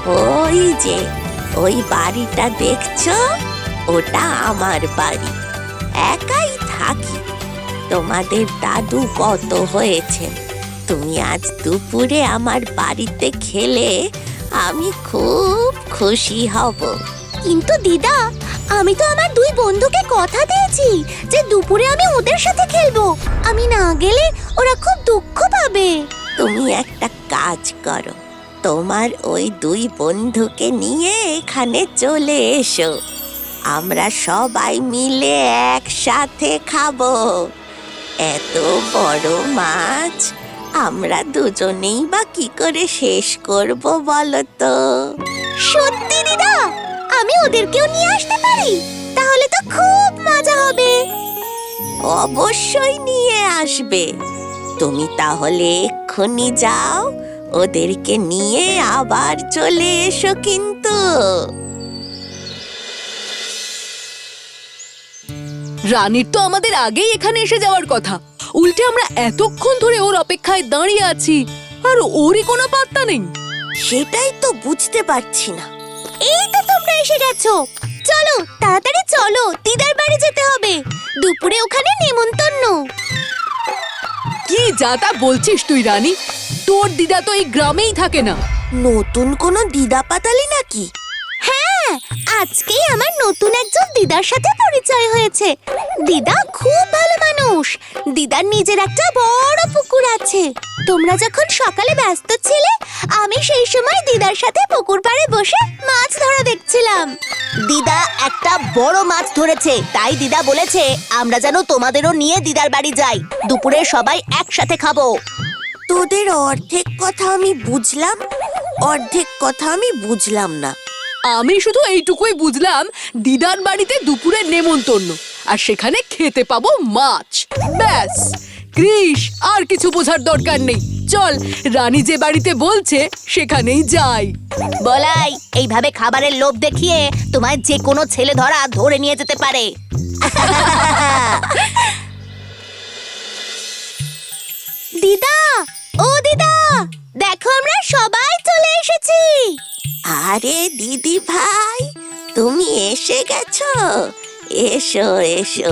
ওই যে ওই বাড়িটা দেখছো, ওটা আমার বাড়ি। একাই থাকি। তোমাদের দাদু কত হয়েছে, তুমি আজ দুপুরে আমার বাড়িতে খেলে আমি খুব খুশি হব। কিন্তু দিদা, আমি তো আমার দুই বন্ধুকে কথা দিয়েছি যে দুপুরে আমি ওদের সাথে খেলবো। আমি না গেলে ওরা খুব দুঃখ পাবে। তুমি একটা কাজ করো, তোমার ওই দুই বন্ধুকে নিয়ে এখানে চলে এসো। আমরা সবাই মিলে একসাথে খাবো। এত বড় মাছ আমরা দুজনেই বা কি করে শেষ করব বলো তো? সত্যি দিদা, আমি ওদেরকেও নিয়ে আসতে পারি? তাহলে তো খুব মজা হবে। অবশ্যই নিয়ে আসবে। তুমি তাহলে এক্ষুনি যাও, ওদেরকে নিয়ে আবার চলে এসো কিন্তু। রানীর তো আমাদের আগেই এখানে এসে যাওয়ার কথা, উল্টে আমরা এতক্ষণ ধরে ওর অপেক্ষায় দাঁড়িয়ে আছি আর ওরই কোনো পাত্তা নেই। সেটাই তো বুঝতে পারছি না। এই তো তোমরা এসে গেছো। চলো তাড়াতাড়ি চলো, দিদার বাড়ি যেতে হবে। দুপুরে ওখানে নেমন্তন্ন। কি যা তা বলছিস তুই রানী? তোর দিদা তো এই গ্রামেই থাকে না। নতুন কোনো দিদা পাতালি নাকি? হ্যাঁ, আজকেই আমার নতুন একজন দিদার সাথে পরিচয় হয়েছে। দিদা খুব ভালো মানুষ। দিদার নিজের একটা বড় পুকুর আছে। তোমরা যখন সকালে ব্যস্ত ছিলে, আমি সেই সময় দিদার সাথে পুকুর পাড়ে বসে মাছ ধরা দেখছিলাম। দিদা একটা বড় মাছ ধরেছে, তাই দিদা বলেছে আমরা যেন তোমাদেরও নিয়ে দিদার বাড়ি যাই। দুপুরে সবাই একসাথে খাবো। তোদের অর্ধেক কথা আমি বুঝলাম, অর্ধেক কথা আমি বুঝলাম না। আমি শুধু এইটুকুই বুঝলাম, দিদার বাড়িতে দুপুরে নেমন্তন্ন, আর সেখানে খেতে পাবো মাছ। ব্যাস, কৃষ, আর কিছু বোঝার দরকার নেই। চল, রানী যে বাড়িতে বলছে সেখানেই যাই। বলাই, এইভাবে খাবারের লোভ দেখিয়ে তোমায় যে কোনো ছেলে ধরে নিয়ে যেতে পারে। দিদা, ও দিদা, দেখো আমরা সবাই চলে এসেছি। আরে দিদি ভাই, তুমি এসে গেছো? এসো এসো।